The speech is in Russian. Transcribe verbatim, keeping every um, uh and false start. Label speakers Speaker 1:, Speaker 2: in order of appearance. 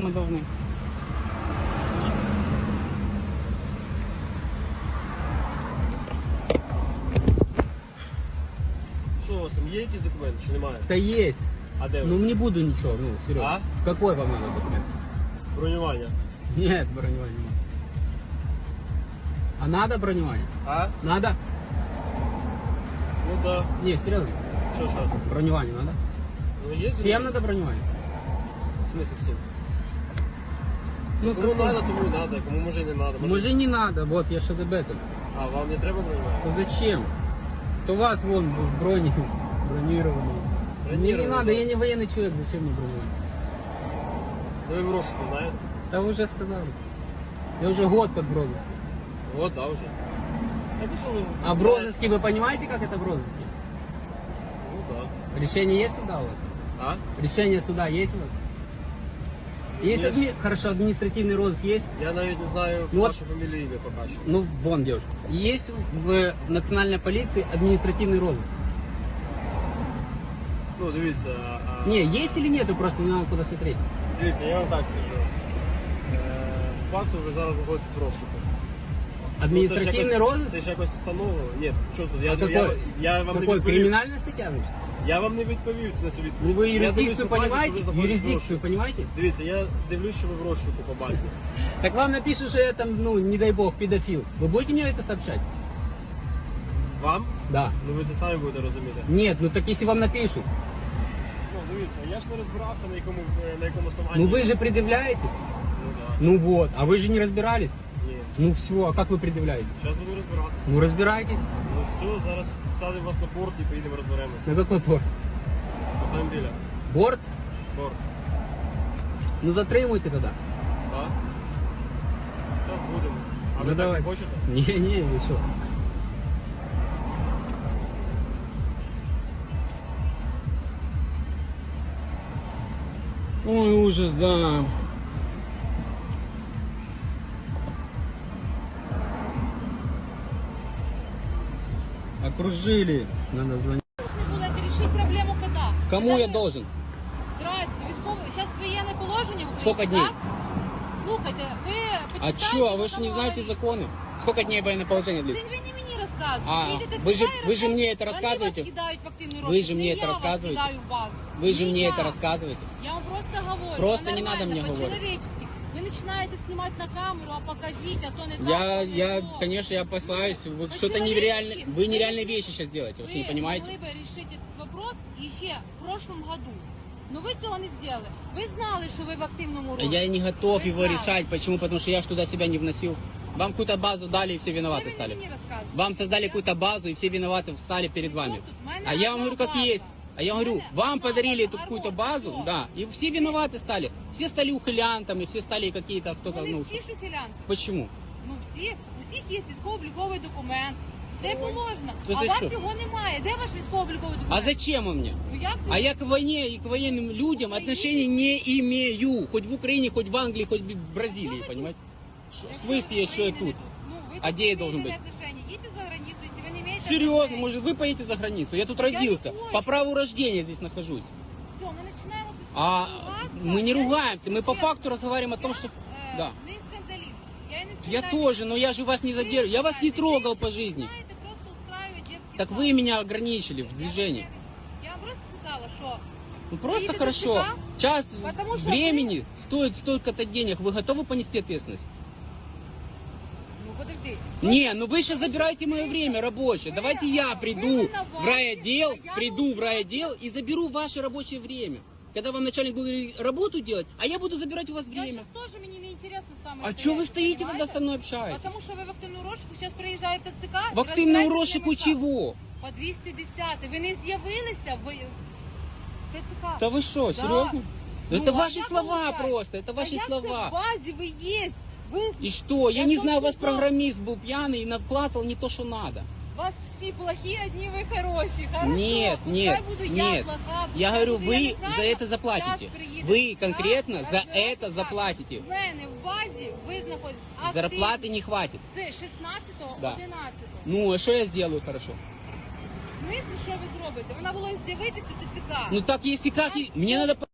Speaker 1: мы должны?
Speaker 2: Що у вас там є якісь документи чи немає?
Speaker 1: Да есть.
Speaker 2: А де
Speaker 1: Ну
Speaker 2: ви?
Speaker 1: не буду ничего, ну, серьезно.
Speaker 2: А?
Speaker 1: Какой вам надо документ?
Speaker 2: Бронювання.
Speaker 1: Нет, броневание. нет. А надо броневание?
Speaker 2: А?
Speaker 1: Надо?
Speaker 2: Ну да.
Speaker 1: Не, серьезно.
Speaker 2: Що, що?
Speaker 1: Броневание надо?
Speaker 2: Ну є
Speaker 1: Всем надо броневание?
Speaker 2: В смысле всім?
Speaker 1: Ну,
Speaker 2: Кому
Speaker 1: какой?
Speaker 2: надо, тому і надо, кому може і не надо. Може...
Speaker 1: Може не надо, вот я что об этом.
Speaker 2: А, вам не треба бронювання?
Speaker 1: То зачем? То у вас вон в броне бронированный. Мне не
Speaker 2: Бронированный,
Speaker 1: надо,
Speaker 2: да.
Speaker 1: я не военный человек, зачем мне бронировать?
Speaker 2: Ну ви в розшуку знаєте?
Speaker 1: Да вы уже сказали. Я уже год под в розыске.
Speaker 2: От, да, вже. Так і що ви з-
Speaker 1: А в
Speaker 2: знаєте?
Speaker 1: розыске вы понимаете, как это в розыске?
Speaker 2: Ну да.
Speaker 1: Решение есть суда у вас?
Speaker 2: А?
Speaker 1: Решение суда есть у вас? Есть
Speaker 2: Есть.
Speaker 1: адми... Хорошо, административный розыск есть?
Speaker 2: Я навіть не знаю
Speaker 1: Ну, от-
Speaker 2: вашу фамілію ім'я поки що.
Speaker 1: Ну, вон девушка. Есть в национальной полиции административный розыск?
Speaker 2: Ну, дивіться. А...
Speaker 1: Не, есть или нету, просто не надо куда смотреть.
Speaker 2: Дивіться, я вам так скажу. Е, по факту ви зараз знаходитесь в розшуку.
Speaker 1: Административный
Speaker 2: Ну, це ж якось-
Speaker 1: розыск?
Speaker 2: Це ж якось встановлено. Ні, що тут? Я,
Speaker 1: А
Speaker 2: я,
Speaker 1: какой?
Speaker 2: я, вам не
Speaker 1: Какой?
Speaker 2: відповів.
Speaker 1: Криминальная статья, значит?
Speaker 2: Я вам не відповів на цю відповідь.
Speaker 1: Ну вы
Speaker 2: Я
Speaker 1: юрисдикцию
Speaker 2: дивлюсь по базі, що ви
Speaker 1: понимаете?
Speaker 2: знаходитесь в
Speaker 1: Юрисдикцию
Speaker 2: розшуку.
Speaker 1: понимаете?
Speaker 2: Дивіться, я дивлюсь, що ви в розшуку по базі.
Speaker 1: Так вам напишут, что я там, ну, не дай бог, педофил. Вы будете мне это сообщать?
Speaker 2: Вам?
Speaker 1: Да.
Speaker 2: Ну ви це самі будете розуміти.
Speaker 1: Нет, ну так если вам напишут.
Speaker 2: Ну, дивіться, я ж не розбирався, на якому, на якому основанні.
Speaker 1: Ну вы же предъявляете?
Speaker 2: Ну, да.
Speaker 1: Ну вот, а вы же не разбирались?
Speaker 2: Ні.
Speaker 1: Ну все, а как вы предъявляете?
Speaker 2: Зараз буду розбиратися.
Speaker 1: Ну разбирайтесь.
Speaker 2: Ну все, зараз садимо вас на борт і поїдемо розберемося.
Speaker 1: На какой порт?
Speaker 2: Автомобіля.
Speaker 1: Борт?
Speaker 2: Борт.
Speaker 1: Ну затримуйте тогда.
Speaker 2: Так? Зараз будемо. А
Speaker 1: Ну,
Speaker 2: ви так
Speaker 1: давай.
Speaker 2: не хочете?
Speaker 1: Не, не, вы что? Ой, ужас, да. Окружили. Надо звонить.
Speaker 3: Должны были это решить проблему когда?
Speaker 1: Кому
Speaker 3: Когда
Speaker 1: я
Speaker 3: вы-
Speaker 1: должен?
Speaker 3: Здрасте, військове. Сейчас военное положение в Україні,
Speaker 1: Сколько дней?
Speaker 3: так? Слухайте, ви
Speaker 1: А
Speaker 3: почитайте
Speaker 1: чё, а вы что не
Speaker 3: закони.
Speaker 1: знаете законы? Сколько дней военное положение
Speaker 3: Це
Speaker 1: длится?
Speaker 3: ви не мені розказуєте.
Speaker 1: А,
Speaker 3: Їдете
Speaker 1: ви
Speaker 3: туди
Speaker 1: же-
Speaker 3: і
Speaker 1: ви же мені
Speaker 3: розказуєте.
Speaker 1: це розказуєте?
Speaker 3: Вони вас кидають в активний
Speaker 1: Вы
Speaker 3: розшук.
Speaker 1: же
Speaker 3: Не
Speaker 1: мне
Speaker 3: я
Speaker 1: это
Speaker 3: вас
Speaker 1: рассказываете?
Speaker 3: кидаю в вас.
Speaker 1: Вы же
Speaker 3: Не
Speaker 1: мне
Speaker 3: я.
Speaker 1: это рассказываете.
Speaker 3: Я вам просто говорю.
Speaker 1: Просто
Speaker 3: що
Speaker 1: не надо
Speaker 3: нормально,
Speaker 1: мне говорить.
Speaker 3: по-человечески. Ви починаєте знімати на камеру, а покажіть, а то не так.
Speaker 1: Я,
Speaker 3: то не
Speaker 1: я,
Speaker 3: то.
Speaker 1: конечно, я опасаюсь. Вы
Speaker 3: Ну,
Speaker 1: что-то
Speaker 3: человечески.
Speaker 1: нереальное, вы нереальные вещи сейчас делаете, вы что, не
Speaker 3: Вы
Speaker 1: понимаете?
Speaker 3: могли бы решить этот вопрос еще в прошлом году. Но вы цього не сделали. Ви знали, що ви в активному розшуку.
Speaker 1: Я не готов
Speaker 3: Вы
Speaker 1: его
Speaker 3: знали.
Speaker 1: решать. Почему? Потому что я ж туда себя не вносил. Вам какую-то базу дали и все
Speaker 3: Це
Speaker 1: виноваты
Speaker 3: ви
Speaker 1: стали.
Speaker 3: мені розказуєте.
Speaker 1: Вам создали
Speaker 3: Я-
Speaker 1: какую-то базу и все виноваты встали перед
Speaker 3: При чому
Speaker 1: вами.
Speaker 3: тут? В мене
Speaker 1: А я вам
Speaker 3: одна
Speaker 1: говорю, как
Speaker 3: база.
Speaker 1: есть. А я
Speaker 3: В
Speaker 1: говорю,
Speaker 3: мене
Speaker 1: вам
Speaker 3: одна
Speaker 1: подарили
Speaker 3: база,
Speaker 1: эту какую-то
Speaker 3: Аргон,
Speaker 1: базу,
Speaker 3: всё.
Speaker 1: да, и все виноваты стали. Все стали ухилянтами, все стали какие-то, кто
Speaker 3: Вони
Speaker 1: ну,
Speaker 3: всі шухелянки.
Speaker 1: почему?
Speaker 3: Ну всі, у всіх є військово-обліковий документ. Все положено.
Speaker 1: То
Speaker 3: А
Speaker 1: ти
Speaker 3: у вас
Speaker 1: що?
Speaker 3: його немає. Де ваш військово-обліковий
Speaker 1: А
Speaker 3: документ?
Speaker 1: зачем он мне?
Speaker 3: Ну як це?
Speaker 1: А я к войне и к военным людям
Speaker 3: Украине?
Speaker 1: отношения не имею. Хоть в Украине, хоть в Англии, хоть в Бразилии,
Speaker 3: Что вы
Speaker 1: понимаете? Ш- В
Speaker 3: Якщо
Speaker 1: смысле,
Speaker 3: ви
Speaker 1: я что я
Speaker 3: України
Speaker 1: тут?
Speaker 3: не Ну, ви
Speaker 1: А
Speaker 3: тут
Speaker 1: де я
Speaker 3: не
Speaker 1: должен
Speaker 3: имеете
Speaker 1: быть?
Speaker 3: отношения. Їдьте за границю, якщо ви не маєте
Speaker 1: Серьезно,
Speaker 3: отношений.
Speaker 1: может вы поедете за границу? Я тут
Speaker 3: Я не
Speaker 1: родился.
Speaker 3: хочу.
Speaker 1: По праву рождения здесь нахожусь.
Speaker 3: Все, ми починаємо це
Speaker 1: А
Speaker 3: ругатися.
Speaker 1: мы не
Speaker 3: Я-
Speaker 1: ругаемся, мы по
Speaker 3: чесно,
Speaker 1: факту разговариваем о том,
Speaker 3: я,
Speaker 1: что...
Speaker 3: е,
Speaker 1: Да.
Speaker 3: Не скандаліст. Я і не
Speaker 1: Я
Speaker 3: скандаліст.
Speaker 1: тоже, но я же вас не
Speaker 3: Ви
Speaker 1: задерживаю. Я вас не
Speaker 3: скандаліст.
Speaker 1: трогал
Speaker 3: Ви
Speaker 1: по жизни.
Speaker 3: починаєте просто устраивать детский
Speaker 1: Так
Speaker 3: сад.
Speaker 1: вы меня ограничили в
Speaker 3: Я
Speaker 1: движении.
Speaker 3: вам- Я вам просто сказала, що
Speaker 1: Ну просто
Speaker 3: Едете
Speaker 1: хорошо.
Speaker 3: сюда,
Speaker 1: Час
Speaker 3: потому что
Speaker 1: времени стоит столько-то денег. Вы готовы понести ответственность?
Speaker 3: ну подожди.
Speaker 1: Не, ну вы сейчас забираете мое время рабочее.
Speaker 3: Вы-
Speaker 1: Давайте я
Speaker 3: вы
Speaker 1: приду
Speaker 3: виноваты,
Speaker 1: в райотдел,
Speaker 3: а я
Speaker 1: приду в
Speaker 3: должна-
Speaker 1: райотдел и заберу ваше рабочее время. Когда вам начальник будет работу делать, а я буду забирать у вас
Speaker 3: Я
Speaker 1: время.
Speaker 3: сейчас тоже, мне не интересно с вами
Speaker 1: А
Speaker 3: стоять,
Speaker 1: что вы стоите
Speaker 3: понимаете?
Speaker 1: тогда со мной общаетесь?
Speaker 3: Потому что вы в активную розшуку, сейчас приїжджає ТЦК.
Speaker 1: В активному
Speaker 3: і розбираєтесь
Speaker 1: розшуку
Speaker 3: з ними
Speaker 1: чего?
Speaker 3: По двісті десять. Ви не з'явилися в в ТЦК.
Speaker 1: Да вы что,
Speaker 3: Да.
Speaker 1: серьезно?
Speaker 3: Ну,
Speaker 1: Это
Speaker 3: а
Speaker 1: ваши
Speaker 3: як
Speaker 1: слова
Speaker 3: виходить?
Speaker 1: просто, это ваши
Speaker 3: а як
Speaker 1: слова.
Speaker 3: Це в базі ви є. Ви,
Speaker 1: И что? Я
Speaker 3: Я
Speaker 1: не
Speaker 3: в том
Speaker 1: знаю, у вас
Speaker 3: смысле-
Speaker 1: программист был пьяный и накладывал не то, что надо.
Speaker 3: вас всі плохі, одні ви хороші. Хорошо,
Speaker 1: Нет,
Speaker 3: пускай
Speaker 1: нет,
Speaker 3: буду я
Speaker 1: нет.
Speaker 3: плоха,
Speaker 1: Я
Speaker 3: пускай
Speaker 1: говорю,
Speaker 3: буду я
Speaker 1: вы
Speaker 3: неправильна,
Speaker 1: за это заплатите.
Speaker 3: щас приїде
Speaker 1: Вы
Speaker 3: ТЦК,
Speaker 1: конкретно за
Speaker 3: розбирається
Speaker 1: это
Speaker 3: так.
Speaker 1: заплатите.
Speaker 3: В мене в базі ви знаходитесь активно
Speaker 1: Зарплаты не хватит.
Speaker 3: з шістнадцятого
Speaker 1: Да.
Speaker 3: одинадцятого.
Speaker 1: Ну, а что я сделаю хорошо?
Speaker 3: В смысле, що ви зробите? Вона була з'явитися в ТЦК.
Speaker 1: Ну так, если как, и- мне надо...